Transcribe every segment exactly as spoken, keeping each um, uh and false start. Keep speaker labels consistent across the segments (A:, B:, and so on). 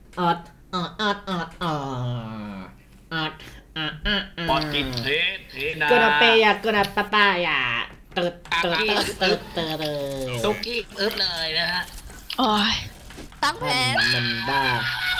A: ออดออดออดออดออดออดอ่ะอ่ะอ่ะ
B: ปอดกินเทเทนา
A: กระเปียกระปะปายาเติร์ดเติร์ดเติร์ดเติร์ดเติร์ด
B: ซุกี้อึ๊บเลยนะฮะ
C: โอ้ยตั้งแผน
A: มันบ้า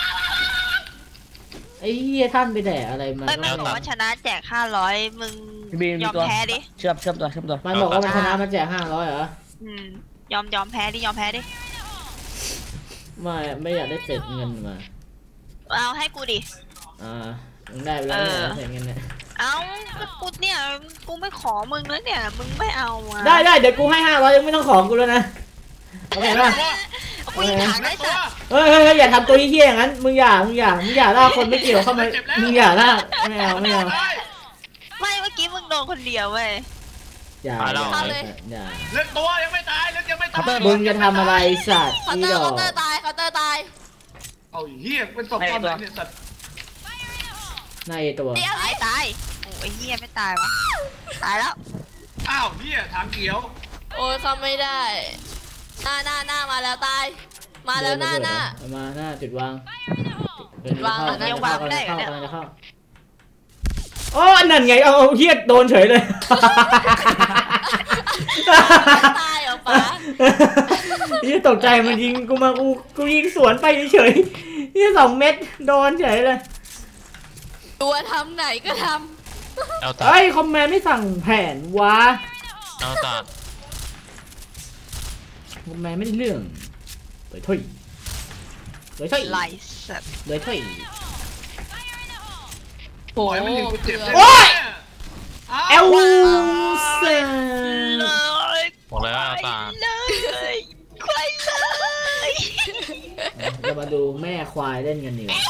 A: ไอ้เหี้ยท่านไปแดกอะไรมา
C: ไม่มันบอกว่าชนะแจกห้าร้อยมึงยอมแพ้ดิ
D: เชื่อมเชื่อมตัวเชื่อมตัว
A: มันบอกว่ามันชนะมันแจกห้าร้อยเหรอ
C: อืมยอมยอมแพ้ดิยอมแพ้ดิ
A: ไม่ไม่อยากได้เศษเงินมา
C: เอาให้กูดิ
A: อ่ามึงได้ไปแล้วเนี่ยเศษเงินเนี่ย
C: เอากูเนี่ยกูไม่ขอมึงแล้วเนี่ยมึงไม่เอาอ่ะ
A: ได้ได้เดี๋ยวกูให้ห้าร้อยยังไม่ต้องของกูแล้วนะโอเคป่ะ
C: กูยิงถังได้สัตว์
A: เฮ้ยเฮ้ยอย่าทำตัวเหี้ยอย่างนั้นมึงอย่ามึงอย่ามึงอย่าล่าคนไม่เกี่ยวเข้ามามึงอย่าล่าไม่เอาไม่เอา
C: ไม่เมื่อกี้มึงโดนคนเดียวเว้ย
A: อย่าอย่าอย่า
B: เลือกตัวยังไม่ตายเลือกยังไม่ตาย
A: มึงจะทำอะไรสัตว์
C: อีดอกเขาเตอร์ตายเขาเตอร์ตาย
B: เอาเหี้ยเป็นศพตอนไหนเนี่ยสัตว์
A: ในตัว
C: ตายตายโอ้ยเหี้ยไม่ตายวะตายแล้ว
B: อ้าวเหี้ยทางเขียว
C: โอ้ยเขาไม่ได้หน้าหน้าหน้ามาแล้วตายมาแล้วหน้าหน้า
A: มาหน้าจุดวาง
C: จุดวางยังวางไม่ได้เหรอเนี่ย
A: โอ้อันนั้นไงเอาเฮียโดนเฉยเลย
C: ตายเหรอป๋า
A: เฮียตกใจมันยิงกูมากูกูยิงสวนไปเฉยเฮียสองเม็ดโดนเฉยเลย
C: ตัวทำไหนก็ทำ
A: เฮ้ยคอมแมนไม่สั่งแผนวะ
D: เอาตา
A: คอมแมนไม่ได้เรื่องเลยถ้อยเลยถ้อย
C: ไลสัต
A: เลยถ้อย
C: โอ้ย
B: มันยิงกูเจ็บเลย
A: โอ้ยเอลเซน
D: บอกเลยว่าตา
C: เลยควายเลย
A: จะมาดูแม่ควายเล่นกันดีกว่า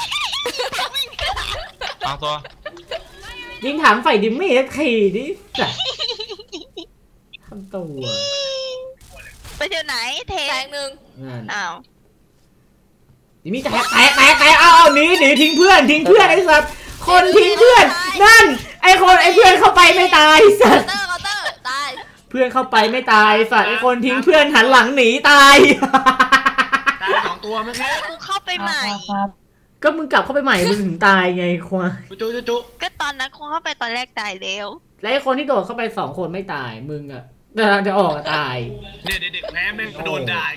D: ตั้งตัว
A: ยิงถังไฟดิมมี่ขี่ดิจ้ะทำตัว
C: ไปเที่ยวไหนเทงหนึ่งอ้าว
A: ดิมี่แตกแตกแตกแตกเอาเอาหนีหนีทิ้งเพื่อนทิ้งเพื่อนไอ้สัตว์คนทิ้งเพื่อนนั่นไอ้คนไอ้เพื่อนเข้าไปไม่ตายสัตว์เพื่อนเข้าไปไม่ตายสัตว์ไอ้คนทิ้งเพื่อนหันหลังหนีตาย
B: ตายสองตัวมั้งแค่
C: กูเข้าไปใหม่
A: ก็มึงกลับเข้าไปใหม่มึงถึงตายไงควาย
B: จุ๊จุ๊จุ๊
C: ก็ตอนนั้นกูเข้าไปตอนแรกตายแล้ว
A: แล้วไอ้คนที่โดดเข้าไปสองคนไม่ตายมึงอะกำลังจะออกตาย
B: เนี่ยเด็กแพ้แม่งโดนได้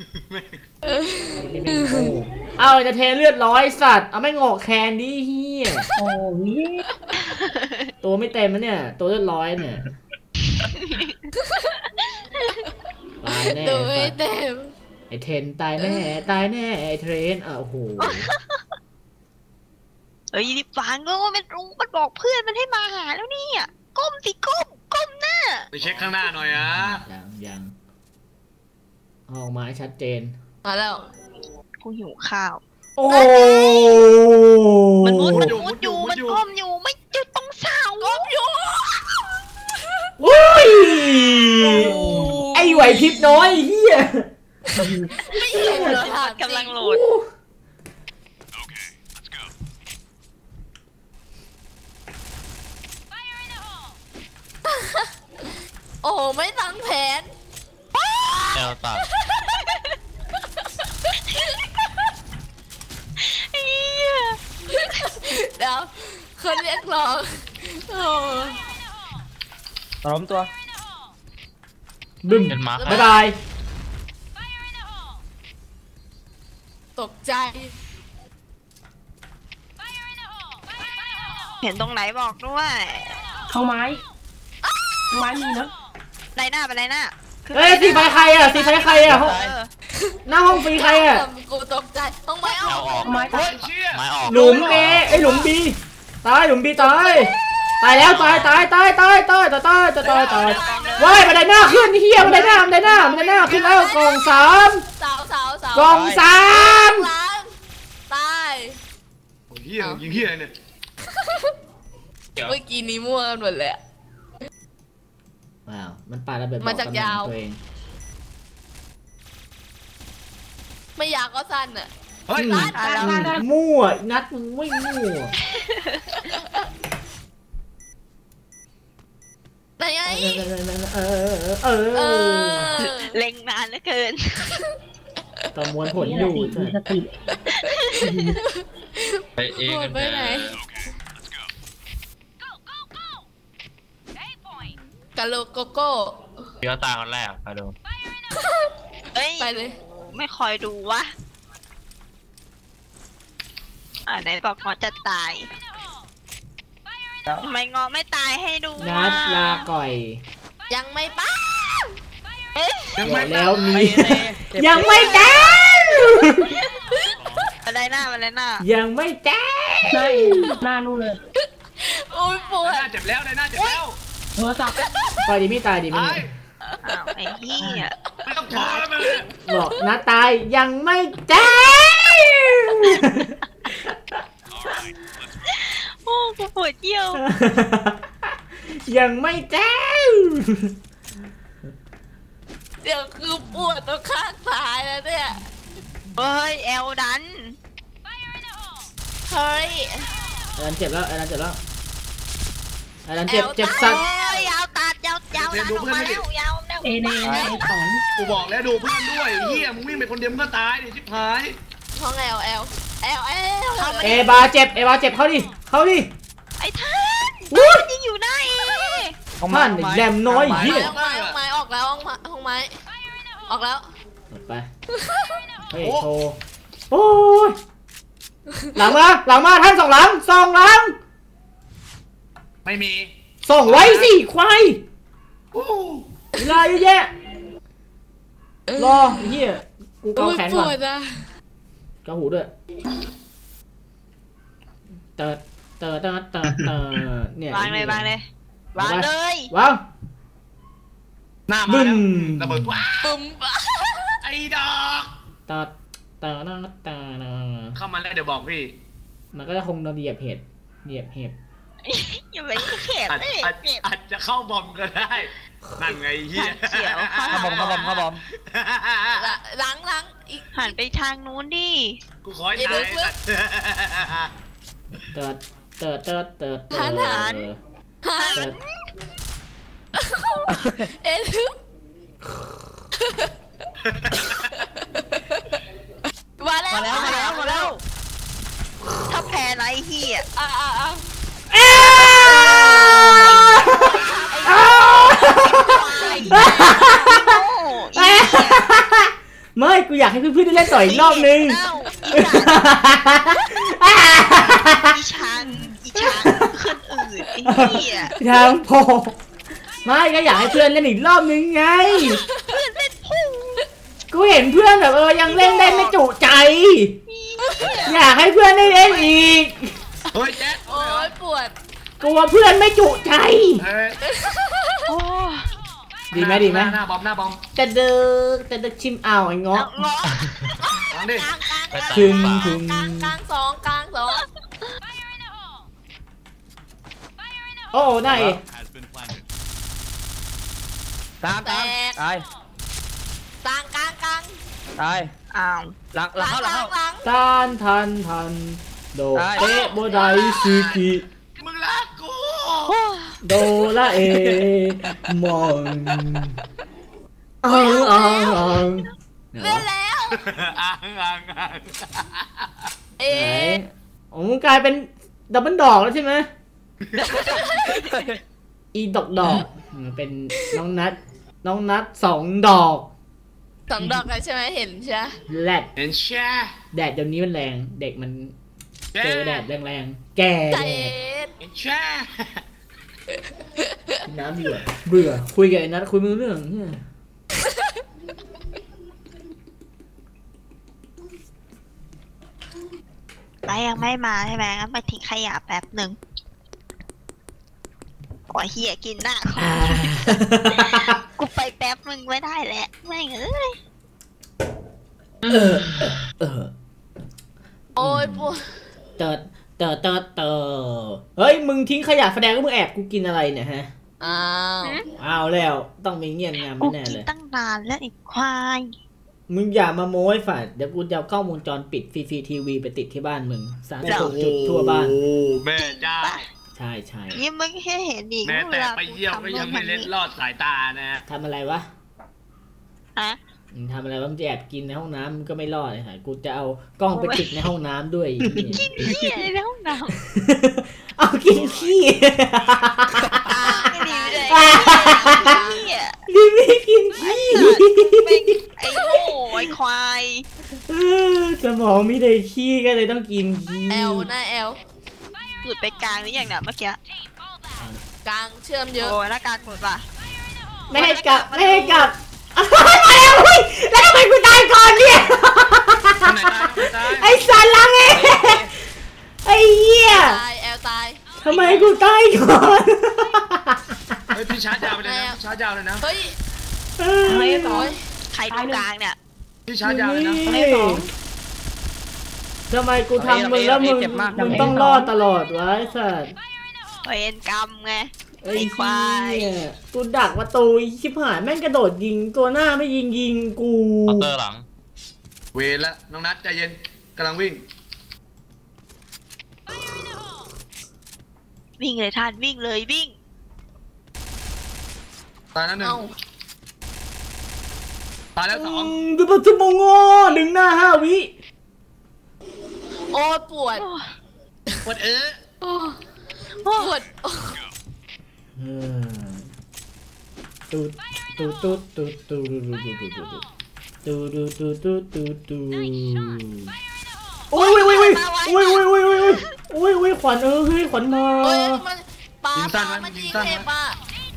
A: เอาจะเทเลือดร้อยสัตว์เอาไม่งอกแคนดิเฮียโอ้ยตัวไม่เต็มนะเนี่ยตัวเลือดร้อยเนี่ยตายแน่
C: ตัวไม่เต็ม
A: ไอเทนตายแน่ตายแน่ไอเทรนอ่ะโอ้โห
C: เอ้ยดิฟังก็ว่ามันรุ้งมันบอกเพื่อนมันให้มาหาแล้วนี่อ่ะก้มสิก้มก้มหน้า
B: ไปเช็คข้างหน้าหน่อยอ่ะ
A: ยังยังออกมาชัดเจน
C: มาแล้วกูหิวข้าว
A: โอ้
C: มันมุดมันมุดอยู่มันก้มอยู่ไม่จุดตรงเสาก้มอยู่
A: โอ้ยไอไหวพริบน้อยเฮีย
C: ไม่เห็นเลยกำลังโหลดโอ้ไม่ตั้งแผน
D: เอลตา
C: เดี๋ยวคนเรียกร้องโอ้
D: ล้มตัว
A: บึ้มบ๊ายบาย
C: ตกใจเห็นตรงไหนบอกด้วย
D: เข้าไม้ไม้มีนะ
C: ไรหน้าไปไรหน้า
A: เฮ้ยสีไฟใครอ่ะสีไฟใครอ่ะหน้าห้องฟรีใครอ่ะ
C: กูตกใจต้องไม้ออก
D: ไม้ออก
A: หลุมเอไอหลุมบีตายหลุมบีตายตายแล้วตายตายตายตายตายตายตายตายตายตายว้ายบันไดหน้าขึ้นเฮียบันไดหน้าบันไดหน้าบันไดหน้าขึ้นแล้วกองสาม
C: สาวสาวสาว
A: กองสาม
C: ตาย
B: เฮียยิงเฮียเนี่ย
C: เมื่อกี้นี้มั่วกันหมดเลย
A: ว้าวมันปาระเบิด
C: มาจากยาวไม่อยากก็สั้นอ่ะ
A: มั่วนัดมึงไม่มั่ว
C: ไหนไง
A: เออเออ
C: เล็งนานเหลือเกิน
A: ประมวลผลอยู่
D: ไปเอง
E: โหดไปไหนกะโลโกโก้
D: เดี๋ยวตาคนแรกไปดู
C: เอ้ย
E: ไปเลย
C: ไม่คอยดูวะอ่าไหนบอกงอจะตายทำไมงอไม่ตายให้ดู
A: นัดลาก่อย
E: ยังไม่ป้า
C: เอ๊ะ
B: ยัง
A: เดี๋
B: ไม่
A: ยวแล้วมี
D: ไปเลย
A: ยังไม่แจ้ง
C: อะไรหน้าอะไรหน้า
A: ยังไม่แจ้ง
D: ใช่หน้านู่นเลย
E: โอ้ยปว
B: ห
E: ด
B: น้าเจ็บแล้วในหน้าเจ็บแล้ว
D: โทรศัพท์
A: ปล่อยดิมี่ตายดิมี่
B: ตาย
C: อ้าวไอ้เหี้ย
B: ไม่ต้องขอแล้วมึง
A: บอกนัดตายยังไม่แจ้ง
C: โอ้กูปวดเยี่ยว
A: ยังไม่แจ้ง
E: เดี๋ยวคือปวดตรงข้างซ้ายแล้วเนี่ย
C: เฮ้ยแอลดัน
E: เฮ้ย
A: ไอ้นันเจ็บแล้วไอ้นันเจ็บแล้วไอ้นันเจ็บเจ็บสั
C: โอ้
A: ตว์
C: ยยาวตัดยาวยาวดันออกมาแล้วยาวแล้ว
D: เอเนเอสอง
B: กูบอกแล้วดูเพื่อนด้วยเฮียมึงวิ่งไปคนเดียวมึงก็ตายดิชิบหาย
E: ห้องแอลแอลแอลแอล
A: เอบาเจ็บเอบาเจ็บเข้าดิเข้าดิ
C: ไอ้ท่าน
A: อุ๊ย
C: ยิงอยู่หน้าเอ
A: ท่านแดมน้อยเหี้ย
E: ห้องไม้ห้องไม้ออกแล้วห้องไม้ห้องไม้ออกแล้ว
A: ไปเฮ้ยโชว์โอ้ยหลังมาหลังมาท่านสองหลังสองหลัง
B: ไม่มี
A: ส่งไว้สิควาย
B: โอ้
A: เวลาเยอะแยะรอไอ้เฮียกูเกา
E: โอ้ย
A: แขน
E: ป
A: ก่อน
E: วดอ่ะ
A: เกาหูด้วยเติร์ดเติร์ดเติร์ดเติร์ดเติร์ดเนี่ยว
C: างเลยวางเลยวางเลยว
A: าง
B: หน้า
A: บึ้
B: มาม แล้วระเบิดว้า
E: ปุ่ม
B: ไอ้ดอก
A: เติร์ดเติร์ดเติร์ดเติร์ด
B: เข้ามาแล้วเดี๋ยวบอกพี่
A: มันก็จะคงโดนเหยียบเห็ดเหยียบเห็บ
C: อย่าไปเข็บ
B: อาจ
C: เลย
B: อาจ
C: เจ็บ
B: อาจจะเข้าบอมก็ได้นั่นไงเฮีย
C: เขียว
D: เข้าบอมเข้าบอมเข้าบอม
E: หลังหลังอีก
C: หันไปทางนู้นดิ
B: กูขอให้ตาย
A: เติร์ดเติร์ดเติร์ดเติร์ดเติ
E: หัน
A: ร์
E: หัน
A: ด
E: หัน
A: เติร์ด
E: เอ็นลึกมาแล้ว
D: มาแล้วมาแล้วมาแล้ว
C: ถ้าแพ้ไรเฮีย
E: อ่ะอ่ะอ่ะ
A: เอ้ยไม่กูอยากให้เพื่อนๆได้เล่นต่ออีกรอบนึง
C: อีชันอีชันขึ้นอื่นไอ้เหี้ย
A: ทางพอไม่ก็อยากให้เพื่อนเล่นอีกรอบนึงไง
C: เพื่อนเล่นพุ่ง
A: กูเห็นเพื่อนแบบเออยังเล่นได้ไม่จุใจ อยากให้เพื่อนได้เล่นอีก
B: เฮ้ยแจ๊ค
E: โอ้ยปวด
A: กลัวเพื่อนไม่จุใจ
B: เฮ้ย
C: โอ้
A: ดีไหมดีไหม
B: หน้าบอมหน้าบอม
A: แต่เดิกแต่เดิกชิมเอาไอ้เงาะ
C: เงาะ
B: วางดิ
E: กลางกลางกลาง
A: ถึงถึง
E: กลางกลางสองกลางสอง
A: โอ้ได้
D: ตามตามตาย
E: กลางกลางกลาง
D: ตาย
C: อ้าว
D: หลังหลังเข้าหลังเข้า
E: หลัง
A: ต้านทันทันโด
D: ได้
A: เตะโบไดซูกิ
B: มึงรักกู
A: โดละเอมองอังอังอัง
E: เล่นแล้ว
B: อ่างอ่างอ่าง
E: เอ๊
A: ไหน
E: ะ
A: โอ้มึงกลายเป็นดับเบิลดอกแล้วใช่ไหมอีดอกดอกเป็นน้องนัดน้องนัดสองดอก
E: สองดอกเลยใช่ไหมเห็นใช่ไหม
A: แรด
B: เห็นแช่
A: แดดเดี๋ยวนี้มันแรงเด็กมัน
B: แช่
A: เจอแดดแรงๆแก่
E: ใจ
A: แด
E: เอ็
A: ด
E: ด
B: เห็นแช่
A: น้ำเบื่อเบื่อคุยกับไอ้นัดคุยไม่รู้เรื่องเนี่ย
C: ไรยังไม่มาใช่ไหมงั้นไปทิ้งขยะแป๊บหนึ่งขอเฮียกินหน้าเขา
A: อ่า
C: กูไปแป๊บนึงไม่ได้แหละไม่งเอ้ย
A: เออเออ
E: โอ้ยปวด
A: เติร์ดเติร์ดเติร์ดเติร์ดเฮ้ยมึงทิ้งขยะแสดงว่ามึงแอบกูกินอะไรเนี่ยฮะ
E: อ้าว
A: เอาแล้วต้องมีเงียบงาม
C: กู
A: แน่
C: กิน
A: เลย
C: ตั้งนานแล้วไอ้ควาย
A: มึงอย่ามาโม้ให้ฝ่ายเดี๋ยวกูจะเอากล้องวงจรปิดฟรีๆทีวีไปติดที่บ้านมึงสามสิบหกจุดทั่วบ้าน
B: โอ้แม่เจ้า
A: ใช่ใช่
C: นี่มึงแค่เห็นอีก
B: แม้แต่
C: วลา
B: ไปเยี่ยมก็ยังไม่เล็ดลอดสายตานะ
A: ทำอะไรวะ
C: ฮะ
A: ทำอะไรบ้างจะแอบกินในห้องน้ำก็ไม่รอดเลยค่ะกูจะเอากล้องไปติดในห้องน้ำด้วย
C: กินขี้อะไรในห้องน้
A: เอากินขี้
C: ำไม่ดีเลยขี้อ่ะ
A: ดิมี่กินขี้
C: ไอ้โง่ไอ้ควาย
A: สมองมีแต่ขี้ก็เลยต้องกินขี้
E: แอลหน้าแอล
C: หลุดไปกลางหรือยังเนี่ยเมื่อกี้
E: กลางเชื่อมเยอะ
C: โอ้ยหน้ากลางหลุดป่ะ
A: ไม่ให้กลับไม่ให้กลับมาแล้วเฮ้ยแล้วทำไมกูตายก่อนเนี่ย
B: ไหนตายไหนตาย
A: ไอ้สันลังเองไอ้เหี้ย
E: ตายแอลตาย
A: ทำไมกูตายก่อน
B: เฮ้ยพี่ชาร์จยาวไปเลยนะชาร์จยาวเลยนะ
E: เฮ้ย
A: เฮ้ย
E: โอ้ย
C: ใครตรงกลางเนี่ย
B: พี่ชาร์จยาวเลยนะ
A: ทำไมกูทำมึงแล้วมึงมึงต้องรอดตลอดวะไอ้สัส
C: เวรกรรมไง
A: ไอ้
C: ไอ้ควาย
A: เหี้ยกูดักประตูชิบหายแม่งกระโดดยิงตัวหน้าไม่ยิงยิงกู
D: เคาน์เตอร์หลัง
B: เวรละน้องนัทใจเย็นกำลังวิ่ง
C: วิ่งเลยท่านวิ่งเลยวิ่ง
B: ตายแล้วหนึ่ง
E: เอ้า
B: ตายแล้วสอง
A: ดูปัจจุบันงอดึงหน้าห้าวิ
E: โอ้ยปวด
B: ปวดเออ
E: โอ้ยปวด
A: เออตูดตูดตูดตูดตูดตูดตูดตูดตูดตูดตูดโอ้ยโอ้ยโอ้ยโอ้ยโอ้ยโอ้ยโอ้ยโอ้ยโอ้ยโอ้ยขวัญเออเฮ้ยขวัญมา
E: เฮ้ยมันปลาปลามันยิงเห็บปลา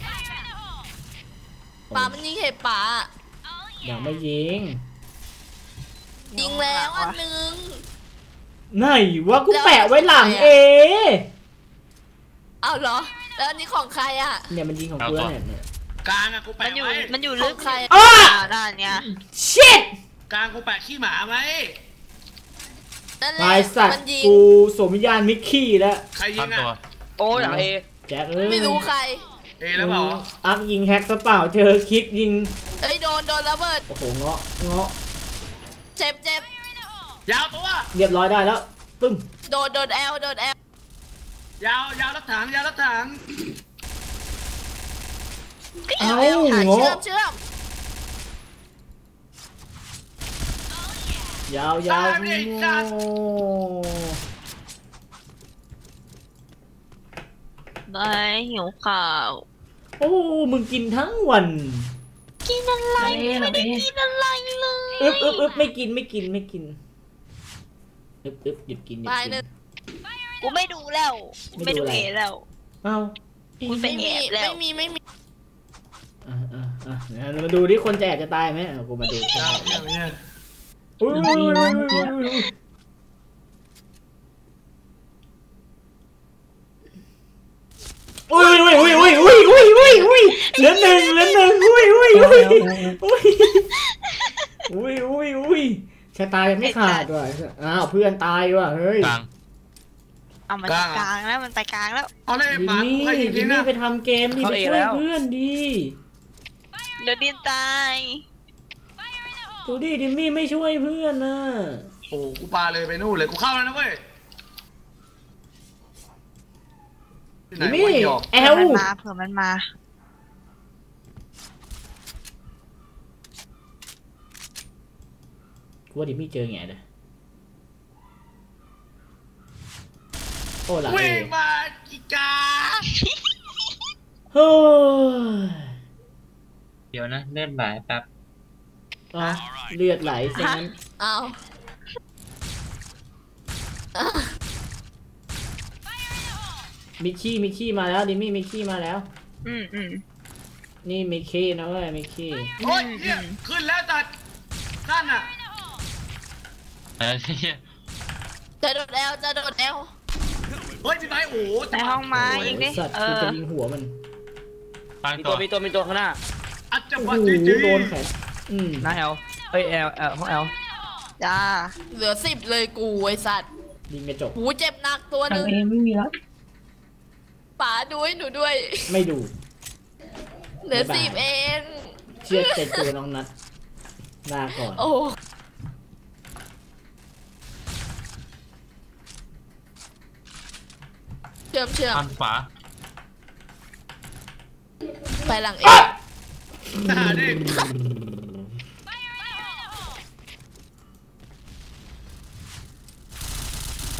E: ปลามันยิงเห็บปลา
A: อย่าไม่ยิง
E: ยิงแล้วอันหนึ่ง
A: ไหนวะกูแปะไว้หลังเอ
E: เอาเหรอแล้วอันนี้ของใครอ่ะ
A: เนี่ยมันยิงของกูเนี่ยเนี่ย
B: กลางอะกู
C: มั
B: แปะ
C: นอยู่
B: ไว้
C: มันอยู่ลึก
E: ของใคร
A: อ้า
C: ด้านเนี้ย
A: ชิต
B: กลางกูแปะขี้หมาไหม
E: นั่นแหละ
A: ลายสัต
E: มั
A: ว์
E: นยิง
A: กูสวมวิญญาณมิกกี้แล้ว
B: ใครยิงอะ
D: โอ้ยหลังเอ
A: แจ็คเอ้ย
E: ไม่รู้ใคร
B: เอแล้วเปล่า
A: อักยิงแฮกซะเปล่าเจอคิดยิง
E: เอ้ยโดนโดนระเบิด
A: โอ้โหเงาะเงาะ
E: เจ็บเจ็บ
B: ยาวตัว
A: เรียบร้อยได้แล้วปึ้ม
E: โดนโดนแอลโดนแอล
B: ยาวยาวรถถังยาวรถถัง
A: เอ้า
E: แอลเชื่อ
A: เงาะ
E: มเชื่อม
A: ยาวยาวโง่
C: ได้หิวข้าว
A: โอ้มึงกินทั้งวัน
C: กินอะไรไม่ได้กินอะไรเลย
A: อึ๊บอึ๊บอึ๊บไม่กินไม่กินไม่กินอึ๊บอึ๊บหยุดกินหยุด
E: ตาย
A: กิ
E: หนึ่
A: น
E: ง
C: กูไม่ดูแล้วไม่ดูเอแล้ว
A: เอ้า
C: กูไป
E: ไม่
C: แอ
E: มี
C: บแล้ว
E: ไม่มีไม่มี
A: อ่ะอ่ะอ่ะเดี๋ยวมาดูที่คนจะแอบจะตายไหมอ่ะกูมาดู
B: ยาวเนี่ยเนี่ย
A: อุ้ยอุ้ยอุ้ยอุ้ยอุ้ยอุ้ยอุ้ยอุ้ยอุ้ยอุ้ยอุ้ยอุ้ยอุ้ยเหลือหนึ่งเหลือหนึ่งอุ้ยอุ้ยอุ้ยอุ้ยอุ้ยอุ้ยอุ้ยชะตายังไม่ขาดว่ะอ้าวเพื่อนตายว่ะเฮ้ย
D: กลาง
C: เอามันไปกลางแล้วมันไปกลางแล้ว
B: เอาเลย
A: ดิ
B: หมากู
A: มี่
B: ใครยิง
A: ดิ
B: ทิ้ง
A: มี่
B: อะ
A: ไปทำเกมดิไปช่วยเพื่อนดี
C: เดี๋ยวดินตาย
A: ดูดิดิมี่ไม่ช่วยเพื่อนนะ
B: โอ้กูปาเลยไปนู่นเลยกูเข้าแล้วนะเว้ยที่ไหน
A: ดิมี่
B: วะหยอก
A: แอ
C: เผื่อ
A: ล
C: มันมาเผื่อมันมา
A: กูว่าดิมี่เจอไงเด้อโอ้หลังเอ
B: วิ่งมาอีกา
A: เฮ้ย
F: เดี๋ยวนะเลื่อนไหลแป๊บ
A: อ่ะเลือดไหลซะงั้น
E: เอา
A: มิกกี้มิกกี้มาแล้วดิมี่มิกกี้มาแล้ว
C: อืมอืม
A: นี่มิกกี้นะเว้ยมิกกี้
B: โอ้ยเฮียขึ้นแล้วตัดนั่นน่ะ
F: เออเหี้ย
E: จะโดนแอลจะโดนแอล
B: เฮ้ยพี่ไม้โอ้โห
C: ในห้องไม้
A: โอ้ย
C: อีกดิ
A: สัตว์
C: เอ
A: กู
C: อ
A: จะยิงหัวมัน
F: กลาง
D: มี
F: ตั
D: ตัว วมีตัวมีตัวข้างหน้า
B: อัจฉ
A: โอ้
B: ริ
A: โห
B: ยะจริง
A: โดนแขนอืม
D: หน้าแอลเฮ้ยแอลแอลห้องแอล
C: จ้า
E: เหลือสิบเลยกูไอสัตว์
A: ยิงกระจก
E: หูเจ็บหนักตัวหนึ่งป๋าดูให้หนูด้วย
A: ไม่ดู
E: เหลือสิบเอง
A: เชื่อใจตัวน้องนัดลาก่อน
E: โอ้เชื่อมเชื่อม
F: อันขวา
E: ไปหลังเอ
B: หาดิ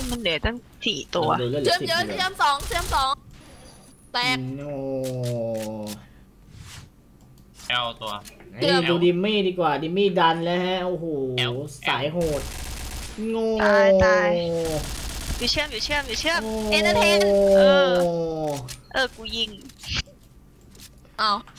C: มันเหลือตั้งสี่ตัว
A: ดูเลือดเหลื
E: เชื่
A: อ
E: อม
A: สิบ
E: เยอะ
A: เลย
E: เชื่อมสองเชื่อมสองแตก
A: โน
F: แอลตัว
A: ไอ้ดูดิมมี่ดีกว่าดิมมี่ดันแล้วฮะโอ้โห
F: แอล
A: สายโหดโง่
C: ตายตายอยู่เชื่อมอยู่เชื่อมอยู่เชื่อม
A: โ
C: เอนเตอร์เทนเออเออกูยิง
E: เอา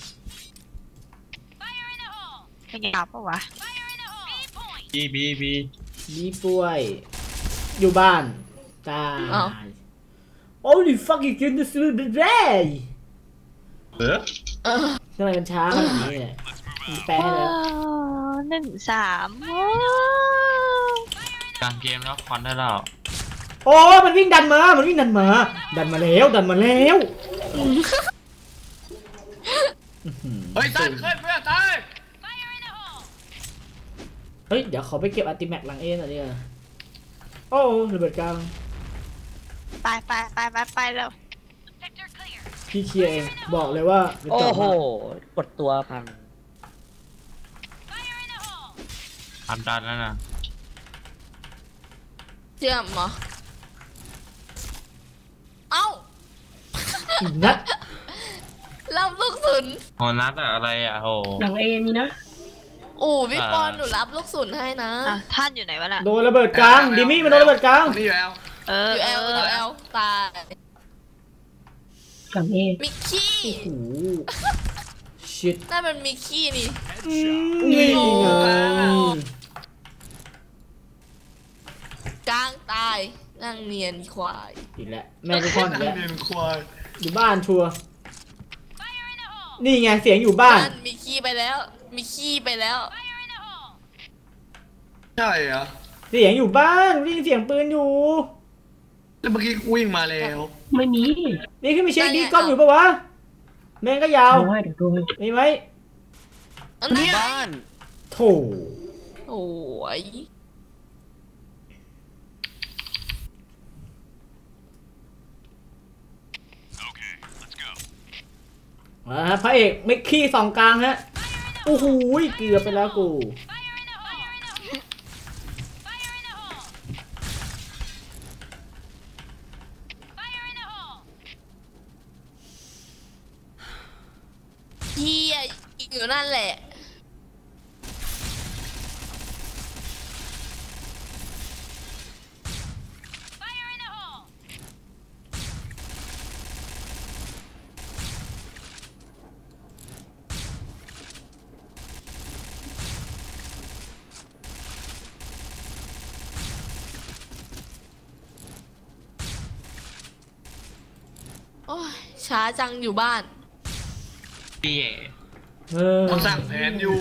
C: เป็นไงปะวะ
F: บีบีบี
A: บีป่วยอยู่บ้านตาย Holy fucking goodness me
F: เออ
E: เออ
A: ทำไมมันช้าขนาดนี้เนี่ยมีแปลให้แล้ว
C: หนึ่งสาม
F: กลางเกมแล้วคอนได้แล้ว
A: โอ้มันวิ่งดันมามันวิ่งดันมาดันมาแล้วดันมาแล้ว
B: เฮ้ยตายขึ้นเพื่อนตาย
A: เฮ้ยเดี๋ยวเขาไปเก็บอัลติแม็กหลังเอ็นอ่ะเนี่ยโอ้ระเบิดกลาง
C: ไปไปไปไปไปแล้ว
A: พี่เคลียร์เองบอกเลยว่าไม่
D: โอ้
A: ต้อง
D: โห
A: มาก
D: ดตัวพัง
F: ทำดันแล้วนะ
E: เชื่อมเหรอเอ้า
A: อีกนัด
E: รับลูกศุน
F: โหนัดอะอะไรอะโห
G: หลังเอมีนะ
E: อู่พี่ปอนหนูรับลูกศุนให้นะ
C: อ่ะท่านอยู่ไหนวะน่ะ
A: โดนระเบิดกลางดิมี่มันโดนระเบิดกลาง
B: นี่อยู่แล้ว
C: เออ
E: อยู่แอลอยู่แอลตาย
G: หลังเอ
E: มิกกี้
A: โอ้โหชิต
E: นั่นมันมิกกี้นี่
A: นี่ไง
E: กลางตายนั่งเนียนควาย
A: อีกแล้วแม่กูคอนอีกแล้ว
B: เนียนควาย
A: อยู่บ้านชัวร์นี่ไงเสียงอยู่บ้าน
E: นั่นมิกกี้ไปแล้วมิกกี้ไปแล้ว
B: ใช่เหรอ
A: เสียงอยู่บ้านได้ยินเสียงปืนอยู่
B: แล้วเมื่อกี้กูวิ่งมาแล้ว
G: ไม่มี
A: นี่ขึ้นไปเช็คดีกล้องอยู่ปะวะแม่งก็ยาว
G: ดูให้เดี๋ยวดูให้
A: มีไหม
E: อันนี้
D: บ้าน
A: โถ
E: โอ้ย
A: มาฮะพระเอกมิกกี้สองกลางฮะโอ้โหเกือบไปแล้วกู
E: เฮียอยู่นั่นแหละโอ้ยช้าจังอยู่บ้าน
F: พี่
A: เออ
B: เขาสั่งแผนอยู่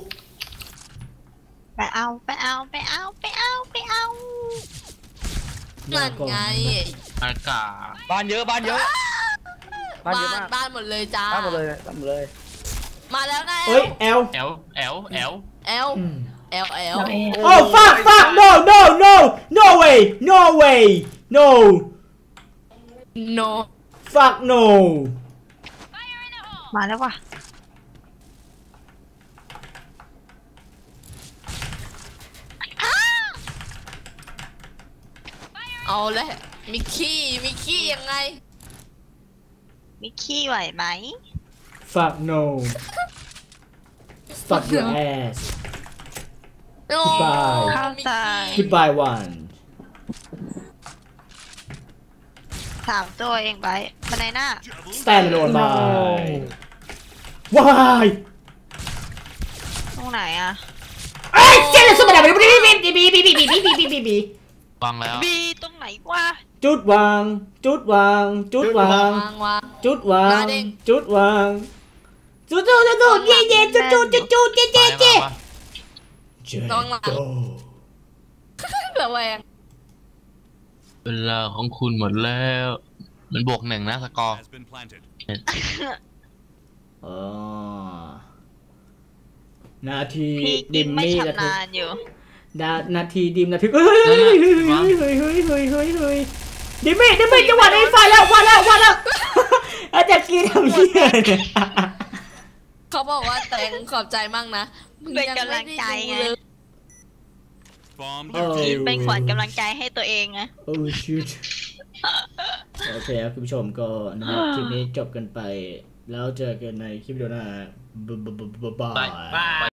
C: ไปเอาไปเอาไปเอาไปเอาไปเอา
E: นั่นไง
F: อากาศ
D: บ้านเยอะบ้านเยอะ บ้าน
E: บ้า
D: เยอะ
E: น
D: มาก
E: บ้านหมดเลยจ้า
D: บ้านหมดเลยบ้านหมดเลย
E: มาแล้วนะ
A: เฮ้ยแอล
F: แอลแอลแอล
E: แอล
A: อืม
E: แอลแอล
G: หลังเอ
A: โอ้ fuck fuck no no no no way no way no
E: โน
A: fuck no
C: มาแล้วว่ะ
E: เอาเลยมิกกี้มิกกี้ยังไง
C: มิกกี้ไหวไหม
A: fuck no stop your ass
E: โอ้
A: Goodbye
C: เข้าใจ
A: goodbye one
C: สามตัวเองไปบันไดหน้า
A: stand alone by why
C: ตรงไหนอ่ะ
A: เอ้ยเจ๊เลยสุดแบบบีบีบีบีบีบีบีบีบีบีบี
F: วางแล้ว
C: บีตรงไหนวะ
A: จุดวางจุดวางจุดวาง
E: วางวาง
A: จุดวาง
E: มาดิ
A: จุดวางจุดจุดจุดจุดเย่เย่จุดจุดจุดจุดเย่เย่เย่เจ๊โต
E: ระแวง
F: เวลาของคุณหมดแล้ว มันบวกหนึ่งนะสกอร์
H: has been planted.
A: อ๋อนาที
C: พี่กิ
A: ดิ
C: น
A: ม
C: ไม่
A: มี่ระ
C: ชำ
A: ทึก
C: นาญอยู่
A: นานาทีดิมระทึกเฮ้ยเฮ้ยเฮ้ยเฮ้ยเฮ้ยเฮ้ยเฮ้ยเฮ้ยดิมมี่ดิมมี่จังหวะนี้ไฟแล้ววันแล้ววันแล้วอาจารย์กีทำเหี้ยเนี่ย
E: เขาบอกว่าแตงขอบใจมากนะมึงยังไม่ได้ดูเลย
A: โอ้
C: ทีมเป็นขวัญกำลังใจให้ตัวเองไง
A: โอ้ชิตโอเคครับคุณผู้ชมก็นะครับคลิปนี้จบกันไปแล้วเจอกันในคลิปวิดีโอหน้าบ๊ายบาย